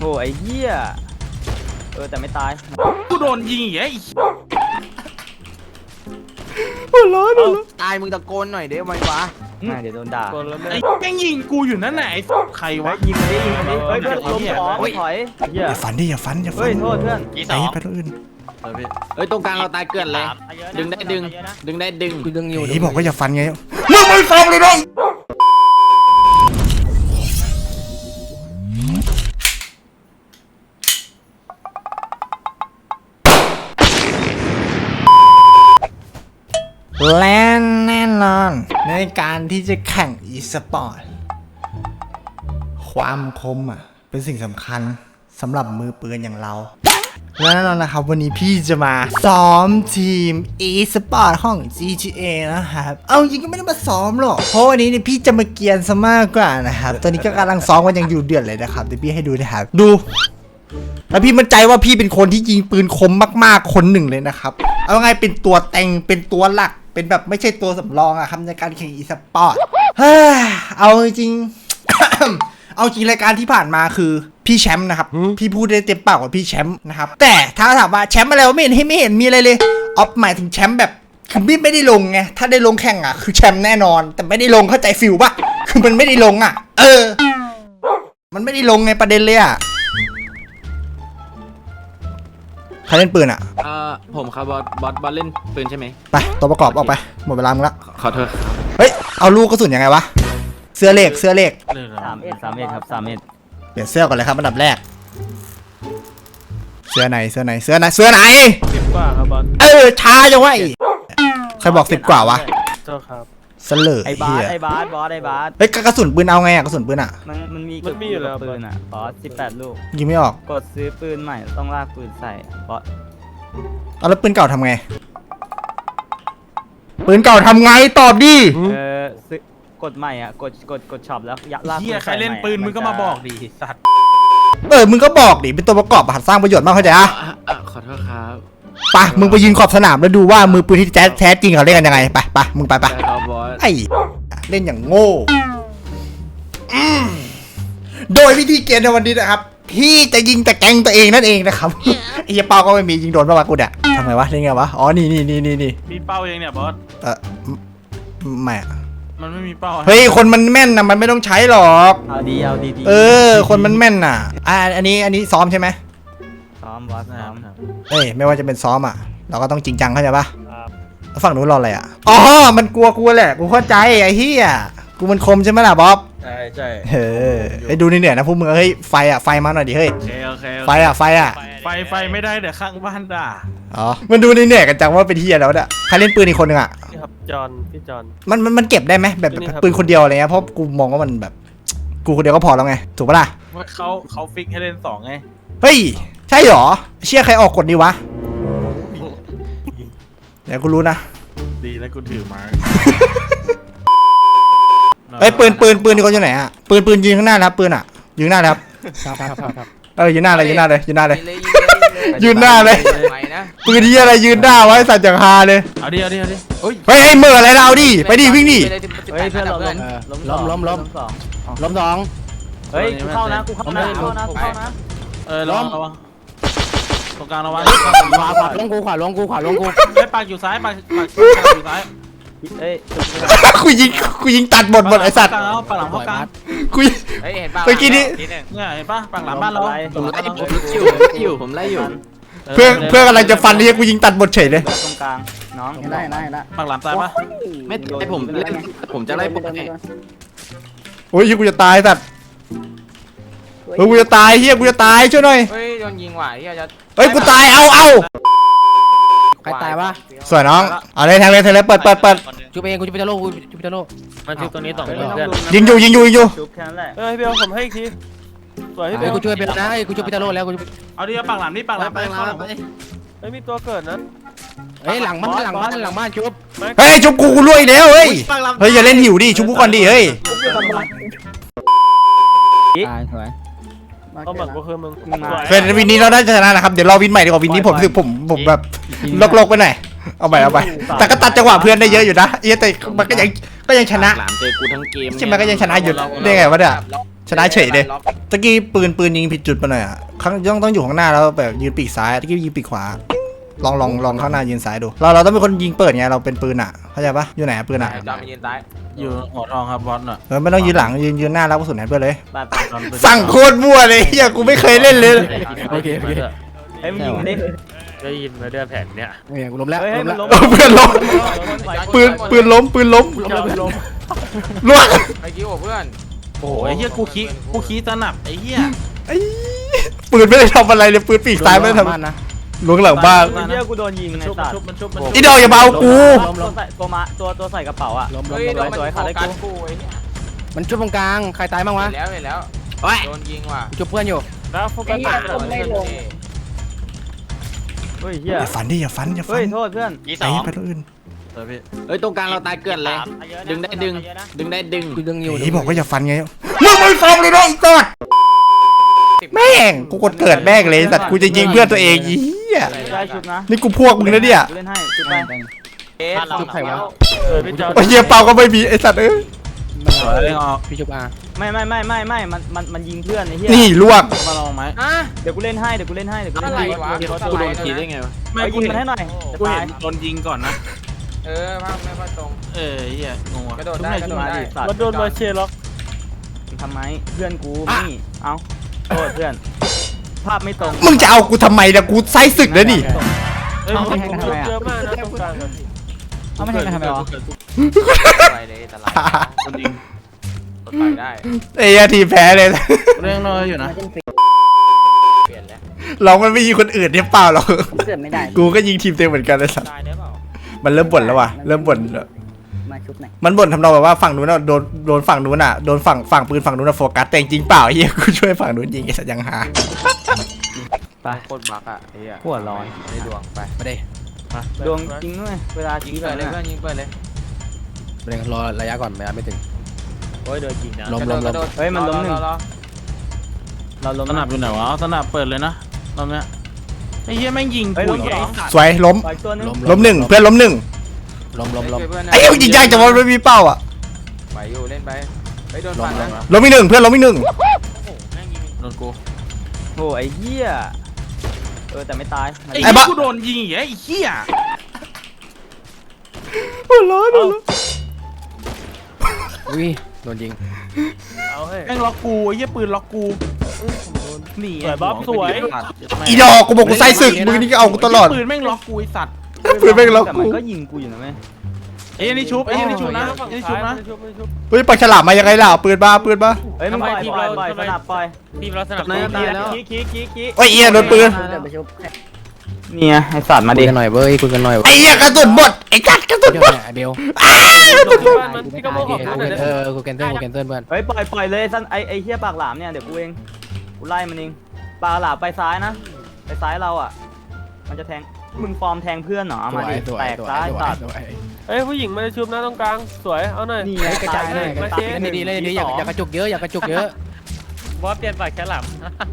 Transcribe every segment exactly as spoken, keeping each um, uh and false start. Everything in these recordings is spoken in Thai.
โอ้ไอ้เหี้ยเออแต่ไม่ตายกูโดนยิงอีกไอ้หัวร้อนหัวร้อนตายมึงตะโกนหน่อยเดี๋ยวไว้วะไม่เดี๋ยวโดนด่าไอ้แม่งยิงกูอยู่นั่นไหนใครวะยิงไปดิยิงไปดิเฮ้ยเพื่อนล้มสองถอยอย่าฝันดิอย่าฝันอย่าฝันเฮ้ยโทษเพื่อนไปไปตัวอื่นเฮ้ยตรงกลางเราตายเกินเลยดึงได้ดึงดึงได้ดึงกูดึงอยู่นี่บอกว่าอย่าฝันไงมึงไม่ฟังเลยน้องและแน่นอนในการที่จะแข่งอีสปอร์ตความคมอ่ะเป็นสิ่งสำคัญสำหรับมือปืนอย่างเราและแน่นอนนะครับวันนี้พี่จะมาซ้อมทีม อีสปอร์ตของ จี ที เอ นะครับเอาจริงก็ไม่ได้มาซ้อมหรอกเพราะวันนี้เนี่ยพี่จะมาเกียนซะมากกว่านะครับตอนนี้ก็กำลังซ้อมกันยังอยู่เดือดเลยนะครับเดี๋ยวพี่ให้ดูนะครับดูแล้วพี่มั่นใจว่าพี่เป็นคนที่ยิงปืนคมมากๆคนหนึ่งเลยนะครับเอาไงเป็นตัวเต็งเป็นตัวหลักเป็นแบบไม่ใช่ตัวสำรองอะครับในการแข่งอีสปอร์ตเฮ้ยเอาจริง เอาจริงรายการที่ผ่านมาคือพี่แชมป์นะครับพี่พูดได้เต็มปากว่าพี่แชมป์นะครับแต่ถ้าถามว่าแชมป์อะไรวะไม่เห็นไม่เห็นมีอะไรเลยออฟหมายถึงแชมป์แบบคือพี่ไม่ได้ลงไงถ้าได้ลงแข่งอะคือแชมป์แน่นอนแต่ไม่ได้ลงเข้าใจฟิลปะคือมันไม่ได้ลงอะเออมันไม่ได้ลงไงประเด็นเลยอะใครเล่นปืนอ่ะเอ่อผมครับบอสบอสบอสเล่นปืนใช่ไหมไปตัวประกอบออกไปหมดเวลามึงละขอโทษเฮ้ยเอาลูกกระสุนยังไงวะเสื้อเลขเสื้อเลขสามเอ็ดสามเอ็ดครับสามเอ็ดเปลี่ยนเสื้อก่อนเลยครับอันดับแรกเสื้อไหนเสื้อไหนเสื้อไหนเสื้อไหนสิบกว่าครับบอสเออช้าจังวะใครบอกสิบกว่าวะโทษครับเสลอไอ้บาสไอ้บาสบอสไอ้บาสเฮ้ยกระสุนปืนเอาไงอะกระสุนปืนอะมันมันมีมันมีอยู่แล้วปืนอะบอสสิบแปดลูกยิงไม่ออกกดซื้อปืนใหม่ต้องลากปืนใส่บอสเอาแล้วปืนเก่าทำไงปืนเก่าทำไงตอบดิเออซื้อกดใหม่อ่ะกดกดกดช็อปแล้วลากปืนใครเล่นปืนมึงก็มาบอกดิสัตว์เออมึงก็บอกดิเป็นตัวประกอบหัดสร้างประโยชน์มากเข้าใจอ่ะขอโทษครับไปมึงไปยืนขอบสนามแล้วดูว่ามือปืนที่แท้แท้จริงเขาเล่นกันยังไงไปไปมึงไปไปไอ้เล่นอย่างโง่โดยวิธีเกมในวันนี้นะครับพี่จะยิงแต่แกงตัวเองนั่นเองนะครับไอ้เป้าก็ไม่มียิงโดนบ้างวะกูเนี่ยทำไงวะเล่นไงวะอ๋อนี่นี่นี่นี่นี่มีเป้าเองเนี่ยบอสเออไม่มันไม่มีเป้าเฮ้ยคนมันแม่นนะมันไม่ต้องใช้หรอกเอาดีเอาดีเออคนมันแม่นน่ะอ่าอันนี้อันนี้ซ้อมใช่ไหมซ้อมบอสซ้อมเอ้ยไม่ว่าจะเป็นซ้อมอ่ะเราก็ต้องจริงจังเข้าใจปะฝั่งนู้นรออะไรอ่ะอ๋อมันกลัวกูแหละกูเข้าใจไอ้เหี้ยกูมันคมใช่ไหมล่ะบ๊อบใช่ใช่เฮ้ยไอ้ดูนี่เนี่ยนะพวกมึงเฮ้ยไฟอ่ะไฟมาหน่อยดิเฮ้ยไฟอ่ะไฟอ่ะไฟไฟไม่ได้เดี๋ยวข้างบ้านด่าอ๋อมันดูนี่เนี่ยกันจังว่าเป็นเหี้ยแล้วเนี่ยใครเล่นปืนอีกคนนึงอ่ะนี่ครับจอนพี่จอนมันมันมันเก็บได้ไหมแบบปืนคนเดียวอะไรเงี้ยเพราะกูมองว่ามันแบบกูคนเดียวก็พอแล้วไงถูกปะล่ะว่าเขาเขาฟิกให้เล่นสองไงเฮ้ยใช่หรอเชี่ยใครออกกฎดีวะเดี๋ยวกูรู้นะดีแล้วกูถือมาเฮ้ยปืนปืนปืนนี่เขาอยู่ไหนอ่ะปืนปืนยิงข้างหน้าครับปืนอ่ะยิงหน้าครับเออยืนหน้าเลยยืนหน้าเลยยืนหน้าเลยยืนหน้าเลยปืนที่อะไรยืนหน้าไว้สัตว์จังฮาเลยเอาดิเอาดิเอาดิเฮ้ยไอ้เมื่ออะไรเราดิไปดิวิ่งดิเฮ้ยเพื่อนเราล้มล้มล้มล้มสองล้มสองเฮ้ยกูเข้านะกูเข้านะเข้านะเข้านะเออล้มระวังตรงกลางระวังขวาขวาลงกูขวาลงกูขวาลงกูไอ้ปากอยู่ซ้ายปากปากอยู่ซ้ายเฮ้ยกูยิงกูยิงตัดหมดหมดไอ้สัตว์ปากหลังเข้ากลางกูเฮ้ยเห็นป่ะเมื่อกี้นี้เนี่ยเห็นป่ะปากหลังบ้านเราผมไล่อยู่อยู่ผมไล่อยู่เพื่อเพื่อกำลังจะฟันนี่กูยิงตัดหมดเฉยเลยตรงกลางน้องไล่ไล่ไล่ปากหลังตายป่ะไม่ไอผมเล่นผมจะไล่ปุ๊บโอ้ยกูจะตายสัตว์เฮ้ยกูจะตายเฮียกูจะตายช่วยหน่อยเฮ้ยโดนยิงว่ะเฮียจะเฮ้ยกูตายเอาเอาใครตายวะสวยน้องเอาเลยทางเลยทางเลยเปิดเปิดเปิดจูเองกูจะไปตะโลกูจะไปตะโลมันชุบตัวนี้ต่อเพื่อนยิงอยู่ยิงอยู่ยิงอยู่เฮ้ยพี่เอาผมให้อีกทีสวยพี่กูช่วยไปนะกูช่วยไปตะโลแล้วกูเอาดิปากหลังนี่ปากหลังไปเฮ้ยมีตัวเกิดนะเฮ้ยหลังบ้านหลังบ้านหลังบ้านชุบเฮ้ยชุบกูกูรวยแล้วเฮ้ยเฮ้ยอย่าเล่นหิวดิชุบกูก่อนดิเฮ้ยตายสวยเอาแบบก็คือมึงเฟรนวินนี้เราได้ชนะนะครับเดี๋ยวรอวินใหม่ดีกว่าวินนี้ผมรู้สึกผมผมแบบลกๆไปหน่อยเอาไปเอาไปแต่ก็ตัดจังหวะเพื่อนได้เยอะอยู่นะเอ้แต่มันก็ยังก็ยังชนะหลามเจอกูทั้งเกมใช่ไหมก็ยังชนะอยู่ได้ไงวะเนี่ยชชนะเฉยเลยตะกี้ปืนปืนยิงผิดจุดไปหน่อยอ่ะข้างต้องต้องอยู่ข้างหน้าแล้วแบบยืนปีกซ้ายตะกี้ยิงปีกขวาลองลองลองข้างหน้ายืนซ้ายดูเราเราต้องเป็นคนยิงเปิดไงเราเป็นปืนอ่ะเข้าใจปะอยู่ไหนปืนอ่ะจอมยืนซ้ายอยู่หัวทองครับบอสน่ะเออไม่ต้องยืนหลังยืนยืนหน้าแล้วกระสุนแทนเพื่อนเลยไปไปสั่งโคตรมั่วเลยเฮียกูไม่เคยเล่นเลยโอเคโอเคเฮ้ยมึงยิงดิได้ยินมาเดือแผ่นเนี่ยโอเคกูล้มแล้วเฮ้ยล้มมันแล้วล้มเพื่อนล้มปืนปืนล้มปืนล้มล้มล้มล่วงไอ้กิ้วเพื่อนโอ้โหไอ้เหี้ยกูขี้กูขี้สนับไอ้เหี้ยไอ้ปืนไม่ได้ทำอะไรเลยปืนปีกซ้ายไม่ได้ทำล้วงหลังบ้านไอ้เหี้ยกูโดนยิงในชุบสัตชุบว์มันชุบมันอีดอกอย่ามาเอากูตัวใส่ตัวมาตัวตัวใส่กระเป๋าอ่ะล้มล้มเฮ้ยโดล้นมมันสวยโฟขาดได้กูกัสกูไอ้เนี่ยมันจุดตรงกลางใครตายบ้างวะเห็นแล้วเห็นแล้วโดนยิงว่ะจุดเพื่อนอยู่แล้วโฟกัสไม่ลงเฮ้ยเหี้ยอย่าฝันดิอย่าฝันอย่าฝัเฮ้นยโทษเพื่อนไอ้ไปตัวอื่นเออพี่เอ้ยตรงกลางเราตายเกลื่อนเลย ดึงได้ดึง ดึงได้ดึงกูดึงอยู่ไอ้บอกว่าอย่าฝันไงมึงไม่ฟังเลยนะไอ้สัตว์แม่งกูกดเกิดแม่งเลยสัตว์กูจะยิงเพื่อนตัวเองเหี้ยได้ชุดนะนี่กูพวกมึงนะเนี่ยกูเล่นให้ชุดไปเอ๊ะจุดใครวะเออพี่จอไอ้เหี้ยเปาก็ไม่มีไอ้สัตว์เอ้ยสวยเล่นออกพี่จุกอาไม่ไม่ไม่ไม่ไม่มันมันมันยิงเพื่อนไอ้เหี้ยนี่ลวกมาลองไหมอ่ะเดี๋ยวกูเล่นให้เดี๋ยวกูเล่นให้เดี๋ยวกูเล่นอะไรให้วะกูโดนขี่ได้ไงวะไม่ยิงมันให้หน่อยจะกูตาเห็ยนโดนยิงก่อนนะเออภาพไม่ค่อยตรงเออเหี้ยงงว่ะกระโดดได้กระโดดมาได้ดิสัตว์มันโดนมาเชล็อกทำไมเพื่อนกูนี่เอ้าโทษเพื่อนภาพไม่ตรงมึงจะเอากูทำไมนะกูไซสึกนะนี่เอ้ยผมเจอมากนะตรงกลางเอาไม่ใช่กันทำไมวะไปเลยตลาดโดนยิงรถไปได้ไอ้เหี้ยทีมแพ้เลยเรื่องน้อยอยู่นะเปลี่ยนแล้วเรามันไม่ยิงคนอื่นเนี่ยเปล่าหรอกเกิดไม่ได้กูก็ยิงทีมเต็มเหมือนกันเลยสัตว์ตายได้เปล่ามันเริ่มบ่นแล้วว่ะเริ่มบ่นแล้วมาชุบหน่อยมันบ่นทำนองแบบว่าฝั่งนู้นน่ะโดนโดนฝั่งนู้นอ่ะโดนฝั่งฝั่งปืนฝั่งนู้นอ่ะโฟกัสแต่จริงๆเปล่าไอ้เฮียกูช่วยฝั่งนู้นยิงไอ้สัตว์ยังหาไปโคตรบักอ่ะไอ้เหี้ยหัวร้อนได้ดวงไปมาดิดวงจริงด้วยเวลายิชี้งไปเปิดเลยเนี่ยเพื่อนยิงเปิดเลยมาดิรอระยะก่อนระยะไม่ถึงโอ้ยโดนจริงนะล้มกระโดล้ดมกล้ระโดมดเฮ้ยมันล้มหนึ่งรอรอเราล้มสนับอยู่ไหนวะเอาสนับเปิดเลยนะตอนเนี้ยไอ้เหี้ยแม่งยิงเฮ้ยกูล้มอีกสองไอ้สัตว์สวยล้มปล่อยตัวนึงล้มหนึ่งเพื่อนล้มหนึ่งล้มล้มล้มช่วยเพื่อนนะไอ้เหี้ยยิงยากจังวะไม่มีเป้าอ่ะไหวอยู่เล่นไปไปโดนฟันนะล้มอีกหนึ่งเพื่อนล้มอีกหนึ่งโดนกูโอ้ไอ้เหี้ยเออแต่ไม่ตายไอ้เหี้ยกูโดนยิงอีกไอ้เหี้ยหัวร้อนหัวร้อนอุ้ยโดนยิงแม่งล็อกกูไอ้เหี้ยปืนล็อกกูนี่สวยบ๊อบสวยอีดอกกูบอกกูไซสึกมึงนี่ก็เอากูตลอดปืนแม่งล็อกกูไอ้สัตว์ปืนแม่งล็อกแต่กูมันก็ยิงกูอยู่นะแม่ไอ้เหี้ยนี่ชุบไอ้เหี้ยนี่ชุบนะไอ้นี่ชุบนะเฮ้ยปากฉลามมายังไงล่ะปืนบ้าปืนบ้าเฮ้ยมึงปล่อยปล่อยปล่อยสนับปล่อยทีมเราสนับนายตายแล้วขี้ขี้ขี้ขี้โอ้ยเอียโดนปืนเนี่ยไอ้สัตว์มาคุดิยกันหน่อยเว้ยคุยกันหน่อยไอ้เหี้ยกระสุนหมดไอ้กัดกระสุนหมดเบลพี่ก็โมโหเออกูแคนเซิลกูแคนเซิลเพื่อนเฮ้ยปล่อยปล่อยเลยสันไอไอเหี้ยปากหลามเนี่ยเดี๋ยวกูเองกูไล่มันเองปากหลามไปซ้ายนะไปซ้ายเราอ่ะมันจะแทงมึงฟอร์มแทงเพื่อนเหรอเอามาดิแตกซ้ายตัดเอ้ยผู้หญิงมาชุบนะตรงกลางสวยเอาหน่อยนี่ไงกระจายหน่อยกระจายเล่นดีๆเล่นดีๆอย่าอย่ากระจุกเยอะอย่ากระจุกเยอะบอสเปลี่ยนปากแค่หลับ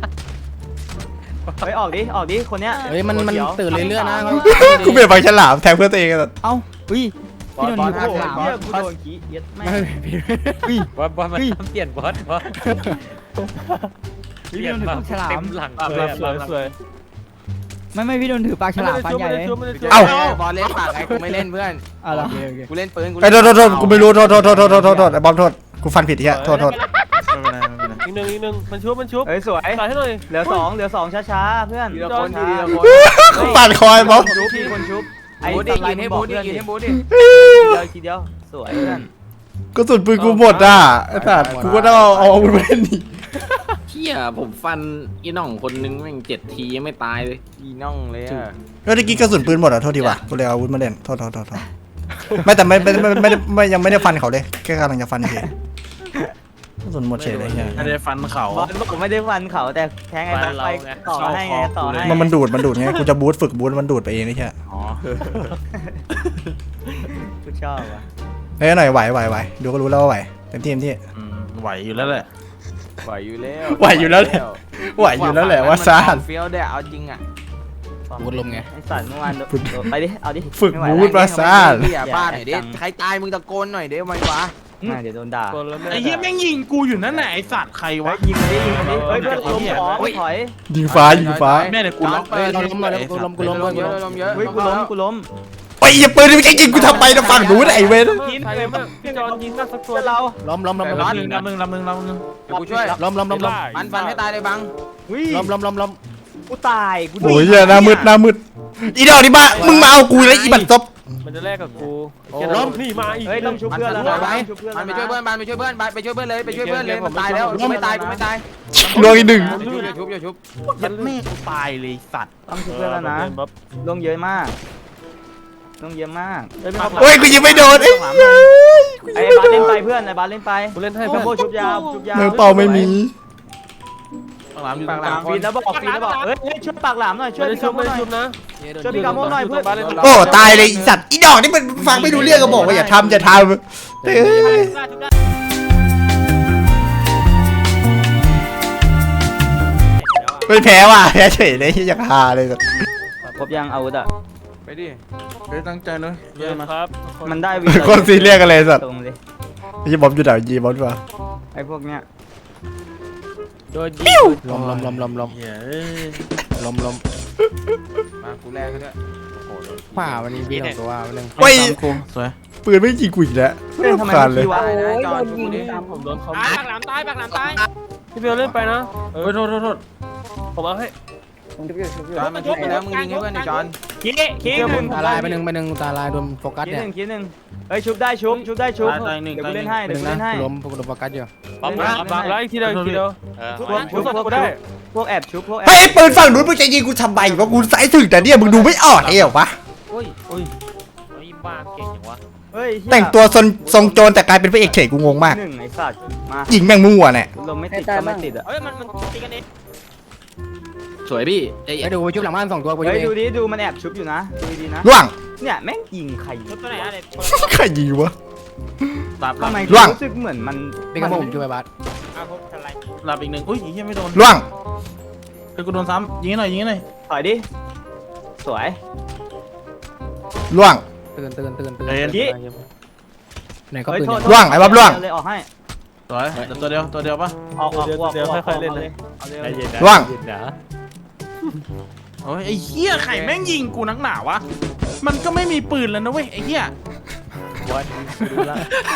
เฮ้ยออกดิออกดิคนเนี้ยเฮ้ยมันมันตื่นเรื่อยๆนะกูเปลี่ยนปากฉลามแทงเพื่อนตัวเองอะเอ้าอุ้ยพี่โดนยิงโอ้โหเหี้ยกูโดนขี้เย็ดแม่บอสบอสมันเปลี่ยนบอสบอสเปลี่ยนปากเต็มหลังสเลวยยสวยสวยไม่ไม่พี่โดนถือปากฉลามฟันใหญ่เลยเอ้าบอลเล่นปากไอ้กูไม่เล่นเพื่อนเอาเหรอกูเล่นปืนกูไอ้โทษโทษโทษกูไม่รู้โทษโทษโทษโทษโทษโทษโทษไอ้บอมโทษกูฟันผิดที่โทษโทษไม่เป็นไรไม่เป็นไรอีกหนึ่งอีกหนึ่งมันชุบมันชุบเฮ้ยสวยใส่ให้หน่อยเหลือสองเหลือสองช้าๆเพื่อนทีละคนทีละคนกูปัดคอยบอมชุบมีคนชุบไอ้บูดิสไลยืนด์ให้บบูอกดิเพื่อนยืนดิให้บูดิเดียวทีเดียวสวยเพื่อนกระสุนปืนกูหมดอ่ะไอ้สัตว์กูก็ต้องเอาเอาอาวุธไปเล่นนี่เที่ยผมฟันอีน้องคนนึงแม่งเจ็ดทียังไม่ตายเลยอีน่องเลยอ่ะแล้วตะกี้กระสุนปืนหมดอ่ะโทษทีว่ะกูเลยเอาอาวุธมาเล่นโทษโทษโทษโทษไม่แต่ไม่ไม่ไม่ไม่ไม่ยังไม่ได้ฟันเขาเลยแค่กำลังจะฟันเฉยกระสุนหมดเฉยเลยเฮียไม่ได้ฟันเขาบอลผมไม่ได้ฟันเขาแต่แทงไอ้บอลไปต่อให้ไงต่อให้มันมันดูดมันดูดไงกูจะบูทฝึกบูทมันดูดไปเองไม่ใช่อ๋อกูชอบว่ะเฮ้ยหน่อยไหวไหวไหวดูก็รู้แล้วว่าไหวเต็มที่เต็มที่อืมไหวอยู่แล้วแหละไหวอยู่แล้วไหวอยู่แล้วแหละไหวอยู่แล้วแหละว่าซ่านเฟี้ยวได้เอาจริงอ่ะบูทลมไงไอ้สัตว์เมื่อวานโดนไปดิเอาดิฝึกไม่ไหวบูทมาซ่านเฮียบ้าหน่อยดิใครตายมึงตะโกนหน่อยดิทำไมวะอ่ะเดี๋ยวโดนด่าตัวแล้วแม่ไอ้เหี้ยแม่งยิงกูอยู่นั่นแหละไอ้สัตว์ใครเฮ้วะยยิงมันดิยิงมันดิเฮ้ยเพื่อนลมสองถอยยิงฟ้ายิงฟ้าแม่เดี๋ยวกูล็อกเฮ้ยเราล้มมาแล้วกูล้มกูล้มลมเยอะลมเยอะเฮ้ยกูล้มกูล้มไอ้ยปืนไม่ใช่ยิงกูทำไมนะฝั่งหนูนะไอ้เว้ยกินเลยมั้งพี่จอนยิงมาสักตัวเพื่อนเราล้มล้มล้มล้มลำหนึ่งลำหนึ่งลำหนึ่งลำหนึ่งเดี๋ยวกูช่วยล้มล้มล้มล้มฟันฟันให้ตายเลยบังวิ่งล้มล้มล้มล้มกูตายกูโอ้ยเหี้ยหน้ามืดหน้ามืดอีดอกนี่บ้ามึงมาเอากูแล้วอีบัตรซบมันจะแลกกับกูล้มนี่มาอีกเฮ้ยต้องชุบเพื่อนแล้วนะต้องชุบเพื่อนมัแล้วนไปช่วยเพื่อนมันไปช่วยเพื่อนไปช่วยเพื่อนเลยไปช่วยเพื่อนเลยมันตายแล้วกูไม่ตายกูไม่ตายลวงอีกหนึ่งอย่าชุบอย่าชุบยัดแม่กูตายเลยสัตว์ต้องชุบเพื่อนแล้วนะลงเยอะมากลงเยอะมากโอ้ยกูยิงไม่โดนไอ้เหี้ยไอ้บาสเล่นไปเพื่อนไอ้บาสเล่นไปกูเล่นให้โอ้เพื่อนโหชุบยาวชุบยาวมือเปล่าไม่มีปากหลามอยู่ตรงกลางฟีนแล้วบอกฟีนแล้วบอกเฮ้ยช่วยปากหลามหน่อยช่วยไม่ได้พี่ชุกาบโมไม่หได้น่อยชุบนะช่วยพี่กาโมหน่อยเพื่อนโอ้ตายเลยอีสัตว์อีดอกนี่มันฟังไม่รู้เรื่องก็บอกว่าอย่าทำอย่าทำเฮ้ยไม่แพ้ว่ะแพ้เฉยเลยที่อยากฮาเลยครบยังอาวุธอ่ะไปดิเฮ้ยตั้งใจเลยเยเยอะอะมาครับมันได้วีคนซีเรียสกันเลยสัตว์ตรงเลยยีบอมอยู่ไหนยีบอมดีกว่าไอ้พวกเนี้ยโดนยิงล้มล้มล้มล้มล้มเฮ้ยล้มล้มมากูแลกเขาด้วยขวาวันนี้พี่สองตัววันนึงเฮ้ยกูสวยปืนไม่ยิงกูอีกแล้วเพื่อนทำไมขาดไม่เลยคิวะตายนะจอนชุบดิผมโดนเขาตายปากหลามตายปากหลามตายพี่เบลเล่นไปนะเฮ้ยโทษโทษโทษผมเอาให้จอนมันชุบไปแล้วมึงยิงให้เพื่อนดิจอนคิดคิดหนึ่งตาลายไปหนึ่งไปหนึ่งตาลายโดนโฟกัสคิดเนี่หยนึ่งคิดหนึ่งเฮ้ยชุบได้ชุบชุบได้ชุบตายตายหนึ่งเดี๋ยวตากูยหเล่นึ่นงให้เดี๋ยวกูเล่นให้ล้มโดนโฟกัสอยู่ปั๊มเล่นปั๊มให้บางแล้วอีกทีเดียวอีกทีเดียวเออพวกชุบพวกกูได้พวกแอบชุบพวกแอเฮ้ยบปืนฝั่งนู้นมึงจะยิงกูทำไมวะกูสายถึงแต่เนี่ยมึงดูไม่ออกเองเหรอวะโอ้ยโอ้ยไอ้บ้าเก่งอย่างวะเฮ้ยเหี้ยแต่งตัวทรงทรงโจรแต่กลายเป็นพระเอกเฉยกูงงมากหนึ่งไอ้สัตว์มายิงแม่งมั่วเนี่ยลมไม่ติดก็ไม่ติดอ่ะเฮ้ยมันมันตีกันเองสวยพี่ใจไปเย็นดูชุบหลังบ้านสองตัวกูเฮ้ยยิงดูดิดูมันแอบชุบอยู่นะดูดีๆนะล่วงเนี่ยแม่งยิงใครชุดตัวไหนอะไรใครยิงวะหลับหทำลับไมล่วงรู้สึกเหมือนมันเป็นกระผมช่วยบัสอ้าวพบอะไรหลับอีกหนึ่งอุ้ยยังไม่โดนล่วงเฮ้ยกูโดนซ้ำยิงให้หน่อยยิงให้หน่อยถอยดิสวยล่วงตื่นตื่นตื่นตื่นเฮ้ยยี่ไหนก็เฮ้ยปืนโทษล่วงไอ้บ๊อบล่วงเลยออกให้สวยเดี๋ยวตัวเดียวตัวเดียวปะออกออกออกออกค่อยๆเล่นเลยเอาเลยใจเย็นนะล่วงเย็นนะโอ้ยไอ้เหี้ยไข่แม่งยิงกูนักหนาวะมันก็ไม่มีปืนแล้วนะเว้ยไอ้เหี้ยวันดูละ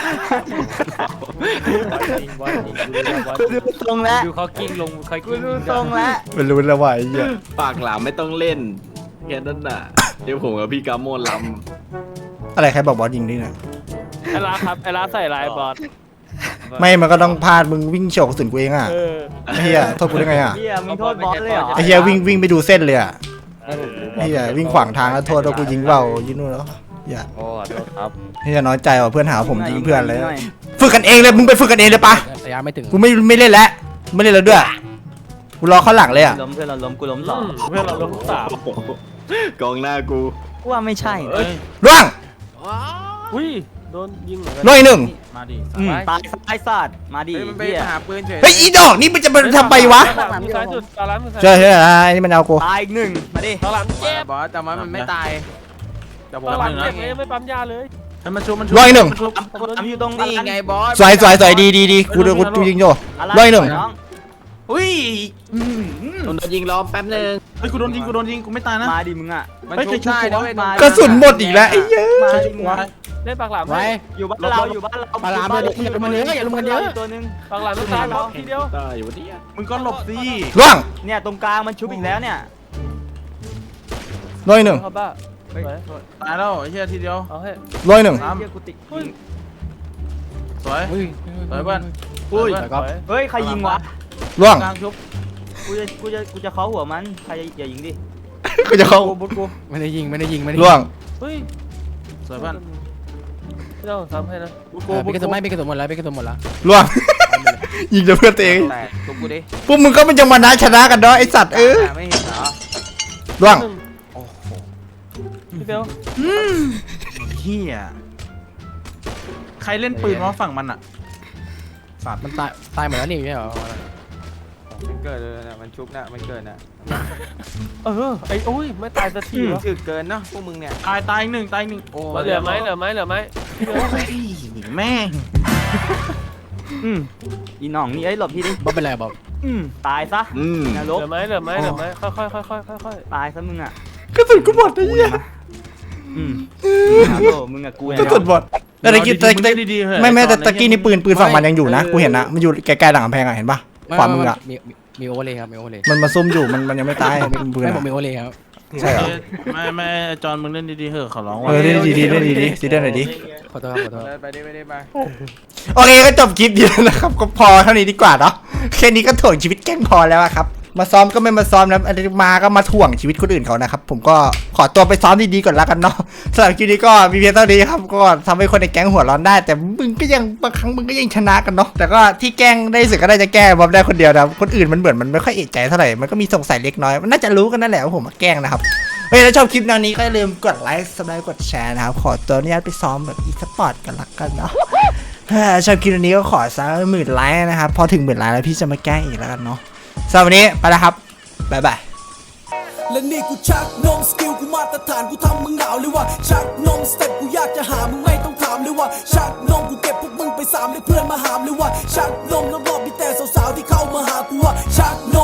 วันจริงวันจริงดูละวันกูดูทรงแล้วดูเขากิ้งลงเขากูกิ้งดูทรงแล้วไม่รู้แล้วว่าไอ้เหี้ยปากหลามไม่ต้องเล่นแค่นั้นน่ะเดี๋ยวผมกับพี่กาโมนลอะไรใครบอกบอสยิงดิเนี่ยไอ้ลาครับไอ้ลาใส่ลายบอสไม่มันก็ต้องพลาดมึงวิ่งโฉกกระสุนกูเองอ่ะเออไอ้เหี้ยโทษกูได้ไงอ่ะเฮียมึงโทษบอสเลยเหรอไอ้เหี้ยวิ่งวิ่งไปดูเส้นเลยอ่ะไอ้เหี้ยวิ่งขวางทางแล้วโทษว่ากูยิงเบายิงนู่นแล้วเหี้ยโอ้ขอโทษครับเหี้ยน้อยใจว่ะเพื่อนหาว่าผมยิงเพื่อนเลยฝึกกันเองเลยมึงไปฝึกกันเองเลยปะระยะไม่ถึงกูไม่ไม่เล่นแล้วไม่เล่นแล้วด้วยกูรอเข้าหลังเลยอ่ะล้มเพื่อนเราล้มกูล้มต่อเพื่อนเราลงสามำกองหน้ากูกูว่าไม่ใช่นะล่วงอุ้ยโดนยิงเหมือนกันล่วงอีกหนึ่งมาดิอืมตายตายศาสตร์มาดิเฮ้ยมันไปเฮียหาปืนเฉยเฮ้ยอีดอกนี่มันจะมาทำไมวะมือซ้ายสุดตาล้างมือซ้ายเชื่อเชื่อไอ้นี่มันเอากูตายอีกหนึ่งมาดิตาล้างเจ็บบอสแต่ว่ามันไม่ตายแต่ผมตาล้างทำเจ็บเลยไม่ปั๊มยาเลยให้มันชุบมันชุบล่วงอีกหนึ่งมันชุบทำอยู่ตรงนี่ไงบอสสวยสวยสวยดีดีดีกูดูกูยิงโยอะไรล่วงอีกหนึ่งน้องอุ้ยอืมโดนยิงล้อมแป๊บนึงเฮ้ยกูโดนยิงกูโดนยิงกูไม่ตายนะมาดิมึงอ่ะมันเฮ้ยชุบได้ใครชุบนะวะเว้ยมากระสุนหมดอีกแล้วไอ้เหี้ยมาดิมึงอะเล่นปากหลามไว้อยู่บ้านเราอยู่บ้านเราปลาหลามเลยอย่าลงกันเยอะอย่าลงกันเยอะตัวนึงปากหลามมือซ้ายเราทีเดียวตายอยู่วันนี้มึงก็หลบสิล่วงเนี่ยตรงกลางมันชุบอีกแล้วเนี่ยล่วงอีกหนึ่งเขาบ้าเฮ้ยตายแล้วไอ้เหี้ยทีเดียวเอาให้ล่วงอีกหนึ่งเฮียกูติสวยอุ้ยสวยเพื่อนอุ้ยสวครับเฮ้ยใครยิงวะล่วงกลางชุบกูจะกูจะกูจะเคาะหัวมันใครอย่ายิงดิกูจะเข้ากูบุ๊กูไม่ได้ยิงไม่ได้ยิงไม่ได้ล่วงเฮ้ยสวยเพื่อนไม่ต้องซ้ำให้นะกูกูกูไปกระสุนไม่ไปกระสุนหมดแล้วไปกระสุนหมดแล้วล่วง ยิงแต่เพื่อนตัวเองแตกชุบกูดิพวกมึงก็มันจะมานะชนะกันเนาะไอสัตว์เออไม่เห็นเหรอล่วงพี่เบลเหี้ยใครเล่นปืนวะฝั่งมันอะสัตว์มันตายตายหมดแล้วนี่ไม่ใช่เหรอมันเกิดเลยนะมันชุบนะมันเกิดนะเออไอ้อุ้ยไม่ตายสักทีวะถึกเกินเนาะพวกมึงเนี่ยตายตายอีกหนึ่งตายอีกหนึ่งโอ้เหลือไหมเหลือไหมเหลือไหมพี่เบลแม่งอืมอีหน่องนี่เอ้ยหลบพี่ดิบ๊อบเป็นไรบ๊อบอืมตายซะอืมนเหรกลือไหมเหลือไหมเหลือไหมค่อยค่อยค่อยค่อยค่อยค่อยตายซะมึงอ่ะกระสุนกูหมดไอ้เหี้ยอืมฮัลโหลมึงกับกูกระเนี่ยสุนหมดแต่ตะกี้ตะมึงกี้เล่นดีๆเหอะไม่ไม่แต่อนตะกี้นี่ปืนปืนฝั่งมันยังอยู่นะไม่กูเห็นนะมันอยู่ใกล้ๆหลังกำแพงอะเห็นปะขวามืออะมีมีมีโอเวอร์เลยครับมีโอเวอร์เลยมันมาซุ่มอยู่มันมันยังไม่ตายเป็นปืนไม่อะผมมีโอเวอร์เลยครับใช่เหรอไม่ไม่จอนมึงเล่นดีๆเหอะขอร้องเออเล่นดีๆเล่นดีๆซีเล่นหน่อยดิขอโทษครับขอโทษไปดิไปดิไปโอเคก็จบคลิปดีแล้วนะครับก็พอเท่านี้ดีกว่าเนาะแค่นี้ก็ถ่วงชีวิตแกล้งพอแล้วอะครับมาซ้อมก็ไม่มาซ้อมนะอันนี้มาก็มาถ่วงชีวิตคนอื่นเขานะครับผมก็ขอตัวไปซ้อมดีๆก่อนแล้วกันเนาะสำหรับคลิปนี้ก็มีเพียงเท่านี้ครับก็ทำให้คนในแก๊งหัวร้อนได้ แต่มึงก็ยังบางครั้งมึงก็ยังชนะกันเนาะแต่ก็ที่แกล้งได้สุดก็ได้จะแก้บอมได้คนเดียวนะคนอื่นมันเหมือนมันไม่ค่อยเอะใจเท่าไหร่มันก็มีสงสัยเล็กน้อยมันน่าจะรู้กันนั่นแหละว่าผมมาแกล้งนะครับเฮ้ยถ้าชอบคลิปแนวนี้ก็อย่าลืมกดไลค์ซับสไครต์กดแชร์นะครับขอตัวอนุญาตไปซ้อมแบบอีสปอร์ตกันละกันเนาะถ้าชอบคลิปนี้ก็ขอสักหมื่นไลค์นะครับพอถึงหมื่นไลค์แล้วพี่จะมาแกล้งอีกแล้วกันเนาะสำหรับวันนี้ไปแล้วครับบ๊ายบายและนี่กูชักนมสกิลกูมาตรฐานกูทำมึงหนาวเลยว่าชักนมสเต็ปกูอยากจะหามึงไม่ต้องถามเลยว่าชักนมกูเก็บพวกมึงไปสามเลยเพื่อนมาหามเลยว่าชักนมแล้วบอกมีแต่สาวๆที่เข้ามาหากูว่าชักนม